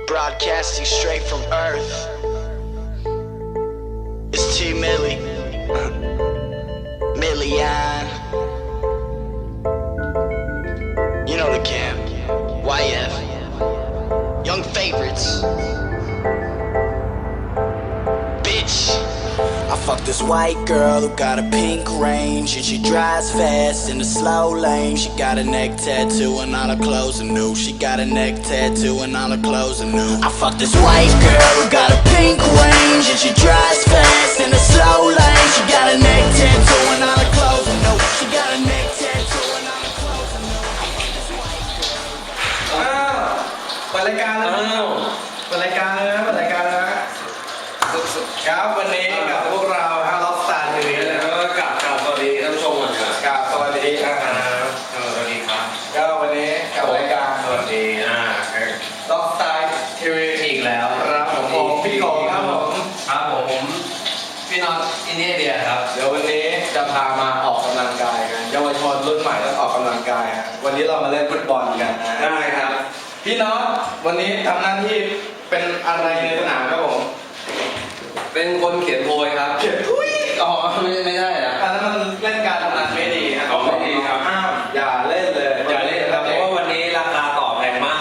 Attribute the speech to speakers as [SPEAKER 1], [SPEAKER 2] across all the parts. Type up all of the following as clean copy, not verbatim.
[SPEAKER 1] Broadcasting straight from Earth. It's T Millie, Million. You know the camp, YF, Young Favorites. Bitch. I fucked this white girl who got a pink range, and she drives fast in the slow lane. She got a neck tattoo and all her clothes are new. She got a neck tattoo and all her clothes are new. I fucked this white girl who got a pink range, and she drives fast in the slow lane. She got a neck tattoo and all her clothes are new. She got a neck tattoo and all her clothes are new. I fucked this white girl.
[SPEAKER 2] เปิดรายการแล้วเปิดรายการเลยนะเปิดรายการแล้วครับวันนี้กับพวกเราฮะล็อกสตาร์ทีวีแล้วก็กราบสวัสดีท่านผู้ชมก่อนครับกราบสวัสดีสวัสดีครับก็วันนี้กับรายการสวัสดีล็อกสตาร์ทีวีอีกแล้วครับผมพี่โกครับผมพี่น็อตอินเดียครับเดี๋ยววันนี้จะพามาออกกำลังกายกันเยาวชนรุ่นใหม่ต้องออกกำลังกายฮะวันนี้เรามาเล่นฟุตบอลกันได้ครับพี่น็อตวันนี้ทำหน้าที่เป็นอะไรในสนามครับผมเป็นคนเขียนโพยครับเขียนทุยไม่ได้อะอันนั้นมันเล่นการพนันไม่ดีครับไม่ดีครับห้ามอย่าเล่นเลยอย่าเล่นครับเพราะว่าวันนี้ราคาต่อแพงมาก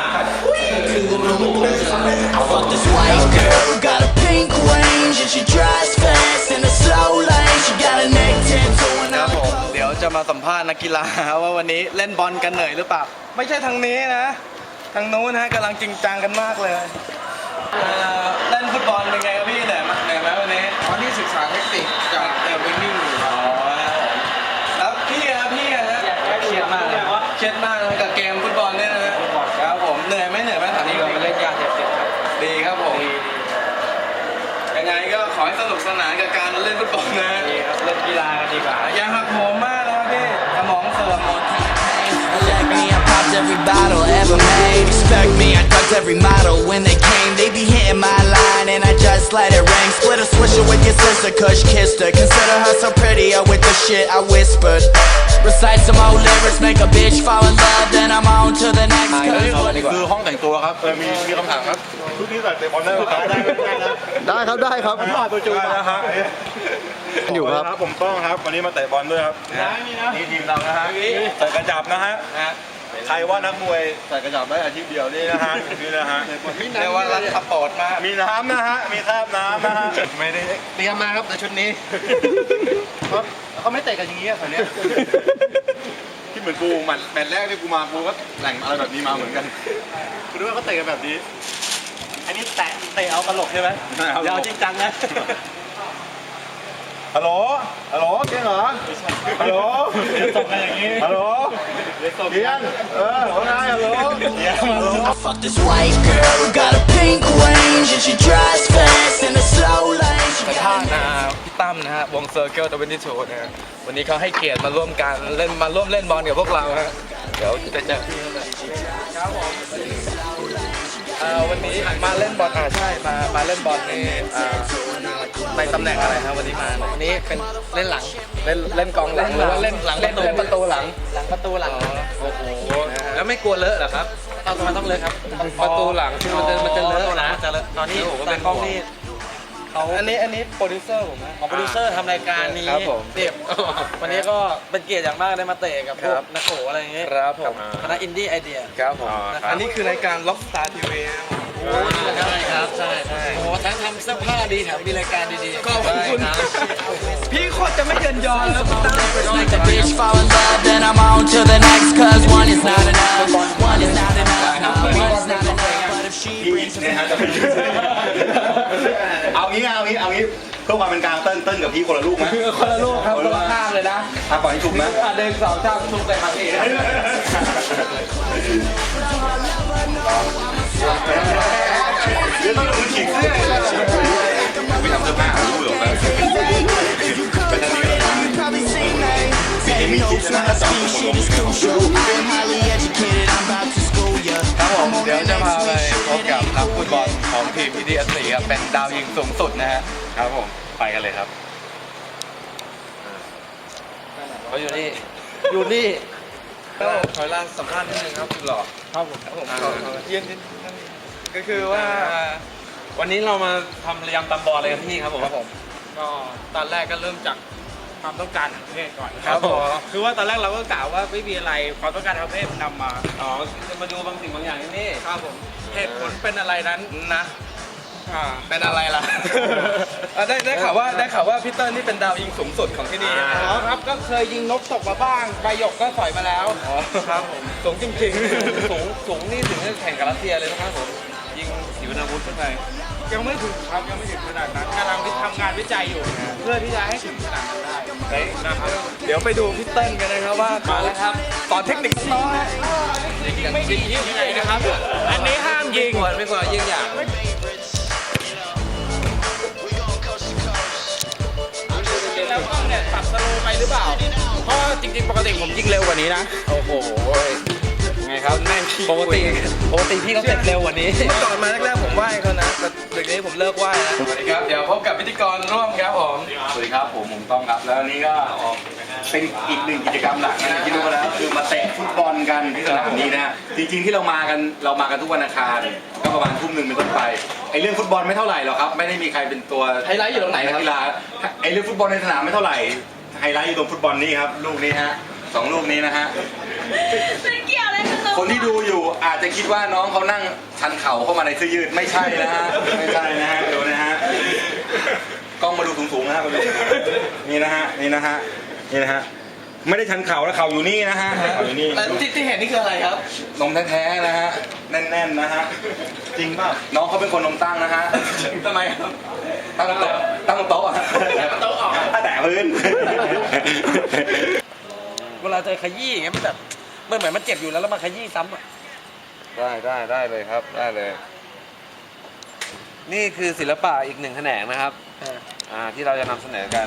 [SPEAKER 1] I fucked this white girl who got a pink range, and she drives fast in the slow lane. She got a neck tattoo and
[SPEAKER 2] ครับ
[SPEAKER 1] all
[SPEAKER 2] ผม
[SPEAKER 1] her
[SPEAKER 2] เดี๋ยวจะมาสัมภาษณ์นักกีฬาว่าวันนี้เล่นบอลกันเหนื่อยหรือเปล่าไม่ใช่ทางนี้นะทางนู้นนะกำลังจริงจังกันมากเลยเล่นฟุตบอลเป็นไงครับพี่เหนื่อยไหมวันนี้วันนี้ศึกษาเทคนิคจากวิ่งอยู่แล้วพี่ฮะเครียดมากเลยกับเกมฟุตบอลเนี่ยนะครับผมเหนื่อยไหมถามนี้เราไปเล่นยาเสพติดดีครับผมยังไงก็ขอให้สนุกสนานกับการเล่นฟุตบอลนะเล่นกีฬากันดีกว่าอย่าหักโหมมากนะพี่สมองเสื่อมหมด
[SPEAKER 1] Like me, I popped every bottle ever made. Expect me, I ducked every model when they came. They be hitting my line and I just let it ring. Split a swisher with your sister, Kush kissed her. Consider her so prettier with the shit I whispered. Recite some old lyrics, make a bitch fall in love, then I'm on to the next.
[SPEAKER 2] คือห้องแต่งตัวครับมีคำถามครับทุกที่ใส่เตะบอลได้ไหมครับ
[SPEAKER 3] ได้ครับ
[SPEAKER 2] ผ่านตัวจูนะฮะ
[SPEAKER 3] อยู่ครับ
[SPEAKER 4] ผมต้องครับวันนี้มาเตะบอลด้วยครับนี่ทีมเรานะฮะใส่กระจับนะฮะใครว่านักมวยใส่กระจับได้อาชีพเดียวนี่นะฮะนี่นะฮะ
[SPEAKER 2] เรียกว่ารักสปอร์ตมาก
[SPEAKER 4] มีน้ำนะฮะมีคราบน้ำนะฮะ
[SPEAKER 2] ไม่ได้เตรียมมาครับแต่ชุดนี้เขาไม่เตะกันอย่างนี้แถวนี้
[SPEAKER 4] ที่เหมือนกูแมตช์แรกที่กูมากูก็แต่งอะไรแบบนี้มาเหมือนกันกูนึกว่าเขาเตะกันแบบนี้
[SPEAKER 2] อันนี้เตะเอาตลกใช่ไหมยาวจริงจังนะ
[SPEAKER 4] ฮัลโหลเก่งเหรอฮัลโหล
[SPEAKER 2] ส่งกันอย่างนี้
[SPEAKER 4] ฮัลโหลเกียงว่าไงฮัลโหล
[SPEAKER 1] I fucked this white girl who got a pink range, and she drives fast in the slow lane. She
[SPEAKER 2] สัมภาษณ์พี่ตั้มนะฮะวงเซอร์เคิล22นะฮะวันนี้เขาให้เกียรติมาร่วมเล่นบอลกับพวกเราฮะเดี๋ยวจะเจอพี่เขาเลยครับผมวันนี้มาเล่นบอลใช่มาเล่นบอลในตำแหน่งอะไรครับวันนี้มาวันนี้เป็นเล่นหลังเล่นกองหลังหรือว่าเล่นหลังเล่นประตูหลังประตูหลังโอ้โหแล้วไม่กลัวเลอะเหรอครับต้องเลอะครับประตูหลังที่มันจะเลอะนะตอนนี้ตากล้องนี่เขาอันนี้โปรดิวเซอร์ผมนะโปรดิวเซอร์ทำรายการนี้เด็บวันนี้ก็เป็นเกียรติอย่างมากได้มาเตะกับพวกนักโขอะไรอย่างเงี้ยครับผมคณะอินดี้ไอเดียครับผมอันนี้คือรายการล็อกสตาร์ทีวีโอ้ใช่ครับใช่โอ้ทั้งทำเสื้อผ้าดีแถมมีรายการดีๆขอบคุณพี่โคตรจะไม่เยินยอแล้วพี่ตั้ง
[SPEAKER 1] Like a bitch fall in love, then I'm on to the next. Cause one is not enough. One is not enough. No, one is not enough. But if she brings me
[SPEAKER 4] เอางี้เพื่อความเป็นกลางเติ้ลกับพี่คนละลูกไหม
[SPEAKER 2] คนละลูกครับคนละข้างเลยนะ
[SPEAKER 4] ปล่อยให้ถูกนะ
[SPEAKER 2] เดิน2 ข้างทุกเลยครับพี่
[SPEAKER 4] เดี๋ยวต้องดูฉีกเสื้อไปทำเสื้อผ้ารู้หรอไปทางนี้กันมีคิดนะสองคนลง
[SPEAKER 2] ครับผมเดี๋ยวจะพาไปพบกับนักฟุตบอลของทีม PTSC ครับเป็นดาวยิงสูงสุดนะฮะ
[SPEAKER 4] ครับผมไปกันเลยครับ
[SPEAKER 2] เขาอยู่นี่ถอยล่างสัมภาษณ์นิดนึงครับคุณหล่อครับผมยืนก็คือว่าวันนี้เรามาทำระยำตำบอลอะไรกันที่ครับผม
[SPEAKER 5] ก็ตอนแรกก็เริ่มจากความต้องการทางเพศก่อน
[SPEAKER 2] ครับผม
[SPEAKER 5] คือว่าตอนแรกเราก็กล่าวว่าไม่มีอะไรความต้องการทางเพศมันนำมา
[SPEAKER 2] อ๋อจะมาดูบางสิ่งบางอย่างที่นี่
[SPEAKER 5] ครับผมเหตุผลเป็นอะไรนั้นนะ
[SPEAKER 2] เป็นอะไรล่ะ ได้ข่าวว่าพี่เติ้ลนี่เป็นดาวยิงสูงสุดของที่นี่
[SPEAKER 5] อ๋อครับก็เคยยิงนกตกมาบ้างใบหยกก็สอยมาแล้วครับผม
[SPEAKER 2] สูงจริงๆ สูงนี่ถึงจะแข่งกับรัสเซียเลยนะครับผมยิงขีปนาวุธขึ้นไป
[SPEAKER 5] ยังไม่ถึงครับยังไม่ถึงขนาดนั้นกำลังทำงานวิจัยอยู่ เพื่อที่จะให้ถึงขนาดนั้นได้
[SPEAKER 2] นะครับ เดี๋ยวไปดูพี่เติ้ลกันนะครับว่ามาแล้วครับสอนเทคนิคน้อย
[SPEAKER 5] ยิงไม่ดียังไงนะครับ อันนี้ห้ามยิง
[SPEAKER 2] ไม่ควรยิงอย่าง
[SPEAKER 5] แล้วกล้องเนี่ยตัดสโลว์ไปหรือเปล่า เพราะจริงๆปกติผมยิงเร็วกว่านี้นะ
[SPEAKER 2] โอ้โหไงครับแม่งปกติพี่เขาเสร็จเร็วกว่านี้เมื่อก่อนมาแรกๆผมไหว้เขานะแต่เดี๋ยวนี้ผมเลิกไหว้แล้วสวัสดีครับเดี๋ยวพบกับพิธีกรร่วมครับผม
[SPEAKER 4] สวัสดีครับผมต้องครับแล้วนี่ก็เป็นอีกหนึ่งกิจกรรมหลักนะที่รู้กันแล้วคือมาเตะฟุตบอลกันที่สนามนี้นะจริงๆที่เรามากันทุกวันอังคารก็ประมาณทุ่มหนึ่งเป็นต้นไปไอ้เรื่องฟุตบอลไม่เท่าไหร่หรอกครับไม่ได้มีใครเป็นตัว
[SPEAKER 2] ไฮไลท์อยู่ตรงไหนครับ
[SPEAKER 4] กีฬาไอ้เรื่องฟุตบอลในสนามไม่เท่าไหร่ไฮไลท์อยู่ตรงฟุตบอลนี่ครับลูกนี้ฮะ2 ลูกนี้นะฮะ
[SPEAKER 6] มันเกี่ยวอะไรกับ
[SPEAKER 4] คนที่ดูอยู่อาจจะคิดว่าน้องเขานั่งชันเข่าเข้ามาในเสื้อยืดไม่ใช่นะฮะไม่ใช่นะฮะดูนะฮะกล้องมาดูสูงๆนะฮะมาดูนี่นะฮะนี่นะฮะนี่นะฮะไม่ได้ชันเข่าแล้วเข่าอยู่นี่นะฮะเข่าอยู่นี่
[SPEAKER 2] แล้วที่เห็นนี่คืออะไรครับ
[SPEAKER 4] นมแท้ๆนะฮะแน่นๆนะฮะจริงป่ะน้องเขาเป็นคนนมตั้งนะฮะ
[SPEAKER 2] ทำไมครับ
[SPEAKER 4] ตั้งโต๊ะอะโต๊ะออกแตะพื้น
[SPEAKER 5] เวลาเจอขยี้อย่างเงี้ยมันแบบมันเหมือนมันเจ็บอยู่แล้วมาขยี้ซ้ำอ่ะ
[SPEAKER 2] ได้เลยครับได้เลย นี่คือศิลปะอีกหนึ่งแขนงนะครับที่เราจะนำเสนอกัน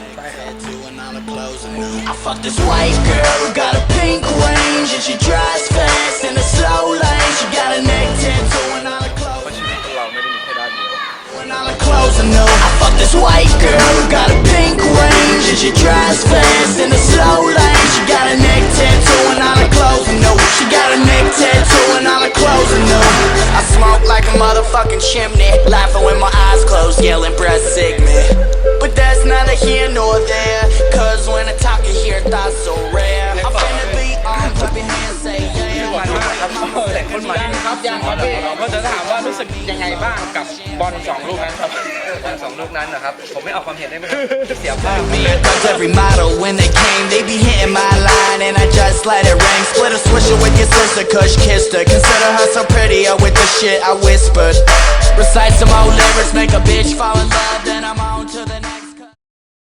[SPEAKER 1] I fuck this white girl who got a pink range and she drives fast in a slow lane. She got a neck tattoo and all her clothes.
[SPEAKER 2] เพราะชีวิตของเราไม่ได้มีแค่ด้านเดียว
[SPEAKER 1] And all her clothes are new. I fuck this white girl who got a pink range and she drives fast in a slow lane. She got a neck tattoo and all her clothes are new. She got a neck tattoo and all her clothes are new. I smoke like a motherfucking chimney, laughing with my eyes closed, yelling breath sick me. But that's neither here nor there, cause when I talk you hear thoughts so rare. I'm finna be on, clap your hands, say yeah.
[SPEAKER 5] มันมากครับแต่คนใหม่ครับยังครับพี่ก็จะถามว่ารู้สึกยังไงบ้างกับบอล2 ลูกนั้นครับ
[SPEAKER 2] 2 ลูกนั้นนะครับ ผมไม่ออกความเห็นได้ไหมเสียภาพ
[SPEAKER 1] Cause every model when they came, they be hitting my line and I just let it ring. Split a swisher with your sister, Kush kissed her. Consider her so prettier with the shit I whispered. Recite some old lyrics, make a bitch fall in love, then I'm on to the